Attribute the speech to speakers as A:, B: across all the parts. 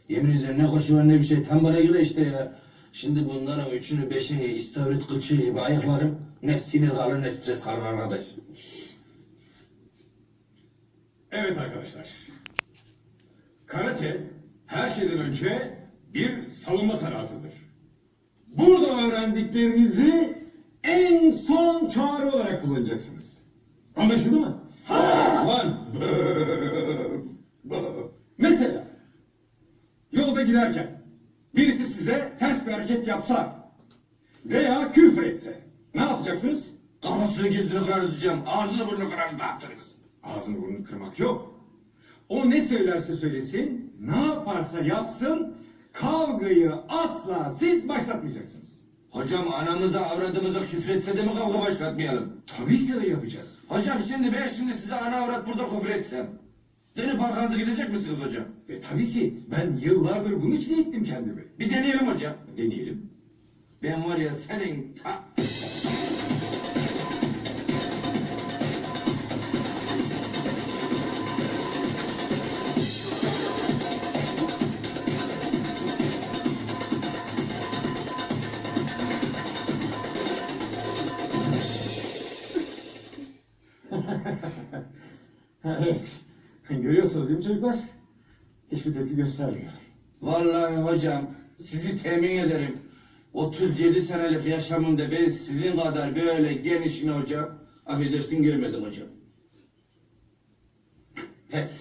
A: Yemin ederim ne koşu var ne bir şey. Tam bana göre işte ya. Şimdi bunların üçünü beşini istavrit kılçığı gibi ayaklarım. Ne sinir kalır ne stres kalır arkadaş.
B: Evet arkadaşlar. Karate her şeyden önce bir savunma sanatıdır. Burada öğrendiklerinizi en son çağrı olarak kullanacaksınız. Anlaşıldı mı? Lan! Mesela yolda giderken birisi size ters bir hareket yapsa veya küfür etse ne yapacaksınız?
A: Kafasını gözünü kırarız hocam. Ağzını burnunu kırarız dağıtırız.
B: Ağzını burnunu kırmak yok. O ne söylerse söylesin, ne yaparsa yapsın, kavgayı asla siz başlatmayacaksınız.
A: Hocam anamıza avradımıza küfretse de mi kavga başlatmayalım?
B: Tabii ki öyle yapacağız.
A: Hocam şimdi ben size ana avrat burada küfür etsem. Dönüp arkanıza gidecek misiniz hocam?
B: Tabii ki ben yıllardır bunun için eğittim kendimi.
A: Bir deneyelim hocam.
B: Deneyelim.
A: Ben var ya senin
B: Evet. Görüyorsunuz değil mi çocuklar? Hiçbir tepki göstermiyor.
A: Vallahi hocam sizi temin ederim. 37 senelik yaşamımda ben sizin kadar böyle genişini hocam affedersin görmedim hocam. Pes.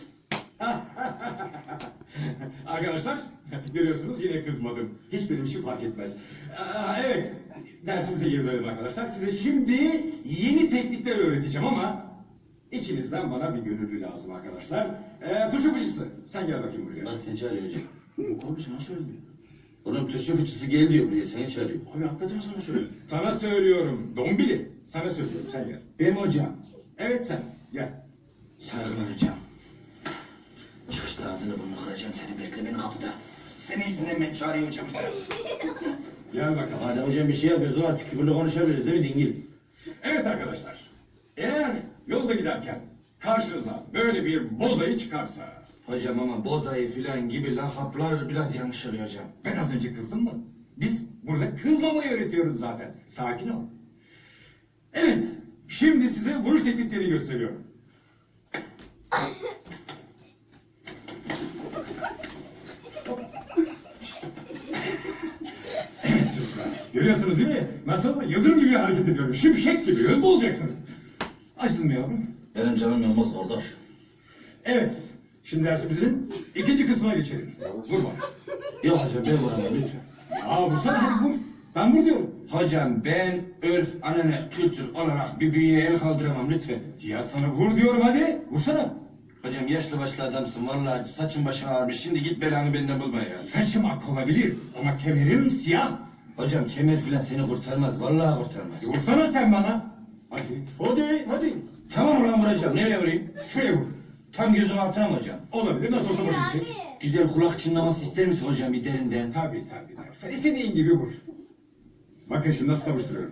B: Arkadaşlar görüyorsunuz yine kızmadım. Hiç benim için fark etmez. Evet dersimize geri dönelim arkadaşlar. Size şimdi yeni teknikler öğreteceğim ama içinizden bana bir gönüllü lazım arkadaşlar. Turşu fıçısı sen gel bakayım buraya.
A: Bak seni çağırıyor hocam. Yok oğlum sana söylüyor. Oğlum Türkçe fıçısı gel diyor buraya seni çağırıyor.
B: Abi hakikaten sana söylüyorum. Sana söylüyorum Dombili. Sana söylüyorum sen gel.
A: Benim hocam.
B: Evet sen gel.
A: Saygılar hocam. Çıkışta ağzını burnunu kıracağım seni bekle beni kapıda. Senin yüzünden ben çağırıyor hocam.
B: Gel bakalım.
A: Hadi hocam bir şey yapıyoruz o artık küfürlü konuşabiliriz değil mi dingil?
B: Evet arkadaşlar. Eğer yolda giderken karşınıza böyle bir bozayı çıkarsa...
A: Hocam ama bozayı filan gibi lakaplar biraz yanlış oluyor hocam.
B: Ben az önce kızdım mı? Biz burada kızmamayı öğretiyoruz zaten. Sakin ol. Evet. Şimdi size vuruş tekniklerini gösteriyorum. Evet çocuklar. Görüyorsunuz değil mi? Nasıl? Yıldırım gibi hareket ediyorum. Şimşek gibi. Hızlı olacaksınız. Açtın mı yavrum?
A: Benim canım yanmaz kardeş.
B: Evet. Şimdi dersimizin ikinci kısmına geçelim. Vurma.
A: Yok hocam ben vuramam lütfen.
B: Ya vursana hadi vur. Ben vur diyorum.
A: Hocam ben örf, anane, kültür olarak bir büyüğe el kaldıramam lütfen.
B: Ya sana vur diyorum hadi. Vursana.
A: Hocam yaşlı başlı adamsın vallahi saçın başın ağarmış. Şimdi git belanı benden bulma ya.
B: Saçım ak olabilir ama kemerim siyah.
A: Hocam kemer filan seni kurtarmaz. Vallahi kurtarmaz.
B: Vursana sen bana. Hadi. Hadi.
A: Tamam ulan vuracağım. Nereye vurayım?
B: Şuraya vur.
A: Tam gözün altına mı hocam?
B: Olabilir. Nasıl olsa boşa gidecek.
A: Güzel kulak çınlaması ister misin hocam bir derinden?
B: Tabii. Sen istediğin gibi vur. Bakın şimdi nasıl savuşturuyorum.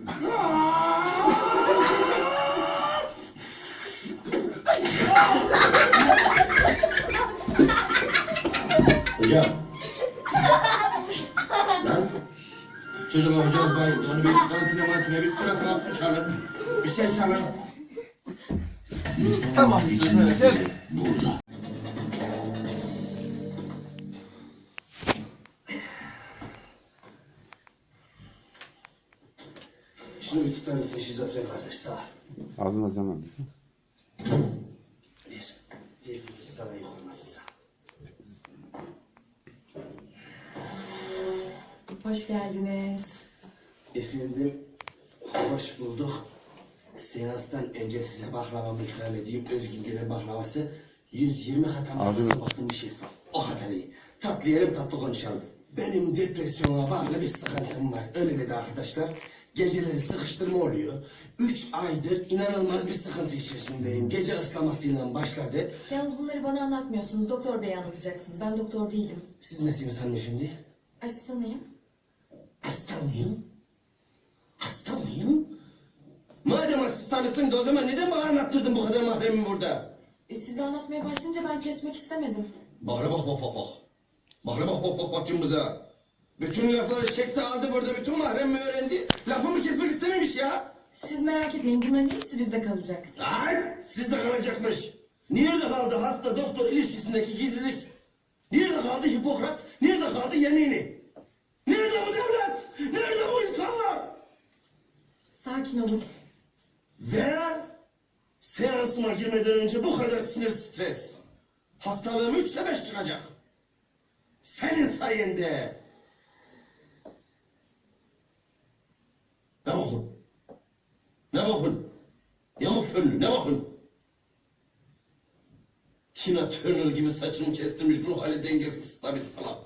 A: Hocam. Şşt, lan. Çocuklar hocamız bayıldı. Onu bir kantine bir suratına su çalın. Bir şey çalın.
C: Tamam. Evet.
A: Burada. Şunu bir tutar mısın şizofren kardeş sağ ol.
C: Ağzını açamam.
A: Bir sana yük olmasın sağ ol.
D: Hoş geldiniz.
A: Efendim, hoş bulduk. Seanstan önce size baklavamı ikram edeyim. Özgürgen'in baklavası 120 kat ama nasıl baktım bir şeffaf. O kadar iyi. Tatlı yiyelim tatlı konuşalım. Benim depresyona bağlı bir sıkıntım var. Öyle dedi arkadaşlar. Geceleri sıkıştırma oluyor. 3 aydır inanılmaz bir sıkıntı içerisindeyim. Gece ıslamasıyla başladı.
D: Yalnız bunları bana anlatmıyorsunuz. Doktor beye anlatacaksınız. Ben doktor değilim.
A: Siz nesiniz hanımefendi?
D: Asistanıyım.
A: Hasta mıyım? Hasta mıyım? Madem asistanısın da o zaman neden bana anlattırdın bu kadar mahremi burada?
D: Size anlatmaya başlayınca ben kesmek istemedim.
A: Bak. Bak cımbıza. Bütün lafları çekti aldı burada, bütün mahrem mi öğrendi? Lafımı kesmek istememiş ya.
D: Siz merak etmeyin, bunların hepsi bizde kalacak.
A: Ay, sizde kalacakmış. Nerede kaldı hasta doktor ilişkisindeki gizlilik? Nerede kaldı Hipokrat? Nerede kaldı yemini? Nerede bu devlet? Nerede bu insanlar?
D: Sakin olun.
A: Ve seansıma girmeden önce bu kadar sinir stres. Hastalığım 3'se 5 çıkacak. Senin sayende. Ne bakın? Ne bakın? Yamuk fönlü ne bakın? Tina Turner gibi saçını kestirmiş ruh hali dengesiz tabi salak.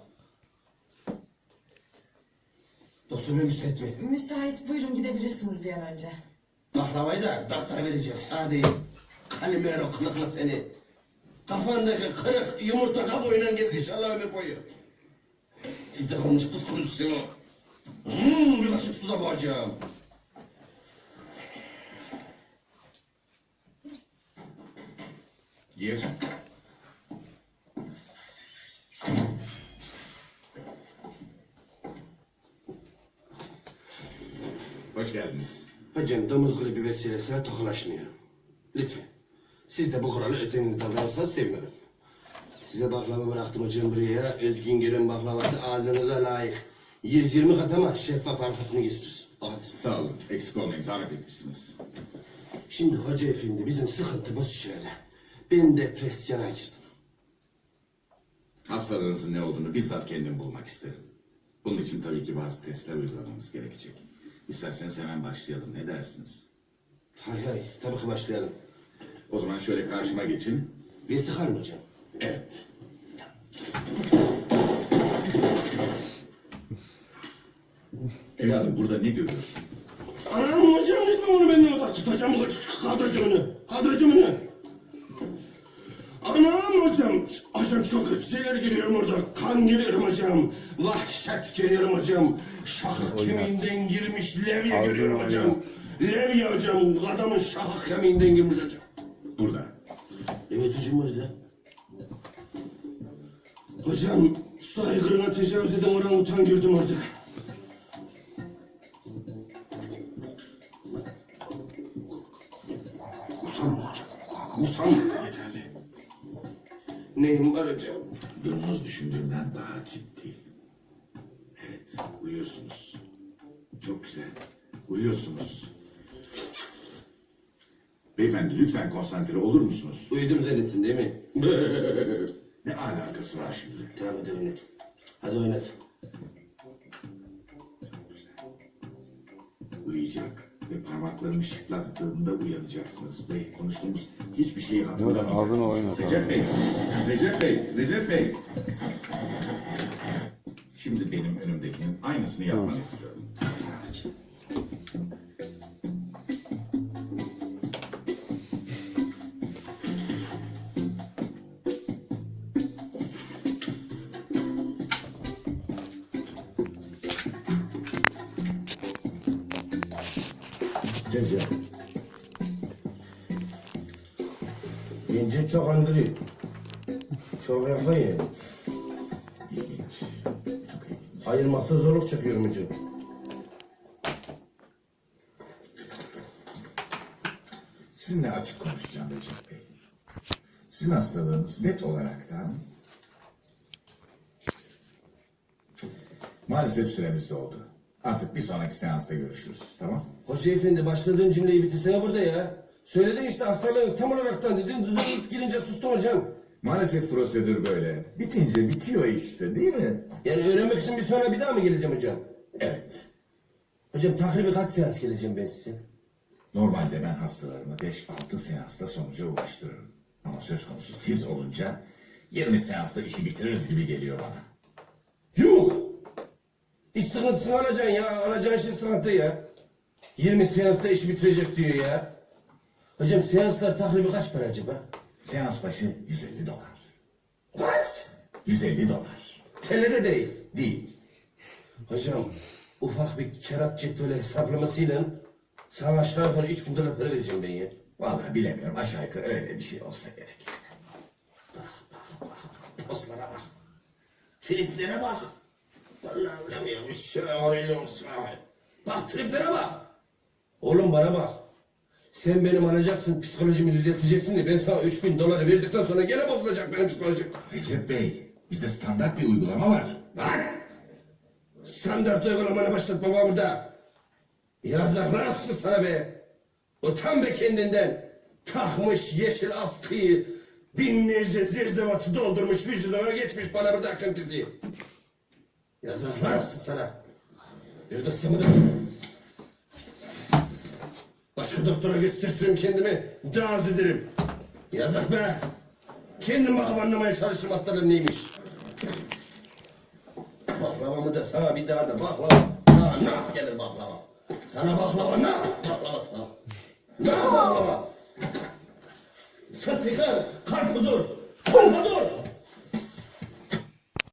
A: Doktor bey müsait mi?
D: Müsait, buyurun gidebilirsiniz bir an önce.
A: Baklavayı da doktora vereceğim sana değil. Kalimero kılıklı seni. Kafandaki kırık yumurta kabuğuyla gez inşallah ömür boyu. Sizde kalmış kız kurusu seni. Bir kaşık suda boğacağım.
B: Gir. Hoş geldiniz.
A: Hocam domuz gribi vesilesiyle tokalaşmıyor. Lütfen. Siz de bu kuralı özenli davranırsanız sevinirim. Size baklava bıraktım hocam buraya. Özgün Göl'ün baklavası ağzınıza layık. 120 kat ama şeffaf arkasını gösterir. Hadi.
B: Sağ olun. Eksik olmayın. Zahmet etmişsiniz.
A: Şimdi hoca efendi bizim sıkıntımız şöyle. Ben depresyona girdim.
B: Hastalığınızın ne olduğunu bizzat kendim bulmak isterim. Bunun için tabii ki bazı testler uygulamamız gerekecek. İsterseniz hemen başlayalım. Ne dersiniz?
A: Hay hay tabii ki başlayalım.
B: O zaman şöyle karşıma geçin.
A: Vertikal mi hocam?
B: Evet. Evladım burada ne görüyorsun?
A: Anam hocam lütfen onu benden uzak tut hocam. Kaldıracağım onu. Kaldıracağım onu. Anam hocam çok kötü şeyler görüyorum orada. Kan görüyorum hocam. Vahşet görüyorum hocam. Şakak kemiğinden girmiş levye görüyorum hocam. Levye hocam. Adamın şakak kemiğinden girmiş hocam.
B: Burada.
A: Evet hocam orada. Hocam saygına tecavüz eden orangutan gördüm orada. Usanma hocam. Usanma.
B: Yeterli.
A: Neyim var hocam?
B: Durumunuz düşündüğümden daha ciddi. Evet, uyuyorsunuz. Çok güzel. Uyuyorsunuz. Beyefendi lütfen konsantre olur musunuz?
A: Uyudum zannettin değil mi?
B: Ne alakası var şimdi?
A: Tamam hadi oynat. Hadi oynat.
B: Uyuyacak ve parmaklarımı şıklattığımda uyanacaksınız ve konuştuğumuz hiçbir şeyi
C: Ağzını
B: hatırlamayacaksınız.
C: oynat.
B: Recep Bey. Şimdi benim önümdekinin aynısını yapmanı istiyorum.
A: Tamam hocam. Hocam. Bence çok andırıyor. Çok yakın yani.
B: İlginç. Çok ilginç.
A: Ayırmakta zorluk çekiyorum hocam.
B: Sizinle açık konuşacağım Recep Bey. Sizin hastalığınız net olaraktan maalesef süremiz doldu. Artık bir sonraki seansta görüşürüz. Tamam?
A: Hoca efendi başladığın cümleyi bitirsene burada ya. Söyledin işte hastalığınız tam olaraktan dedin. Dıdıt girince sustum hocam.
B: Maalesef prosedür böyle. Bitince bitiyor işte değil mi?
A: Yani öğrenmek için bir sonra bir daha mı geleceğim hocam?
B: Evet.
A: Hocam takribi kaç seans geleceğim ben size?
B: Normalde ben hastalarımı 5-6 seansta sonuca ulaştırırım. Ama söz konusu siz olunca 20 seansta işi bitiririz gibi geliyor bana.
A: Yuh! İç sıkıntısını alacaksın ya. Alacağın şey sıkıntı ya. 20 seansta iş bitirecek diyor ya. Hocam seanslar takribi kaç para acaba?
B: Seans başı $150.
A: Kaç?
B: $150.
A: TL'de değil.
B: Değil.
A: Hocam ufak bir kerat cetveli hesaplamasıyla sana aşağı yukarı 3.000 dolar para vereceğim ben ya.
B: Vallahi bilemiyorum. Aşağı yukarı öyle bir şey olsa gerek işte.
A: Bak. Postlara bak. Triplere bak. Vallahi bilemiyorum. Bak triplere bak. Oğlum bana bak. Sen benim alacaksın, psikolojimi düzelteceksin de ben sana 3000 doları verdikten sonra gene bozulacak benim psikolojim.
B: Recep Bey, bizde standart bir uygulama var.
A: Bak! Standart uygulamanı başlatma var burada. Yazıklar olsun sana be. Utan be kendinden. Takmış yeşil askıyı, binlerce zirzevatı doldurmuş vücuduna geçmiş bana burada akıntısı. Yazıklar olsun sana. Bir de sana da... Başka doktora göstertirim kendimi, daha az ederim. Yazık be. Kendim bakıp anlamaya çalışırım hastalığım neymiş. Baklavamı da sana bir daha da baklava. Sana nah gelir baklava. Sana baklava nah, baklava sana. Nah baklava. Sıtıkı, karpuzur, karpadur.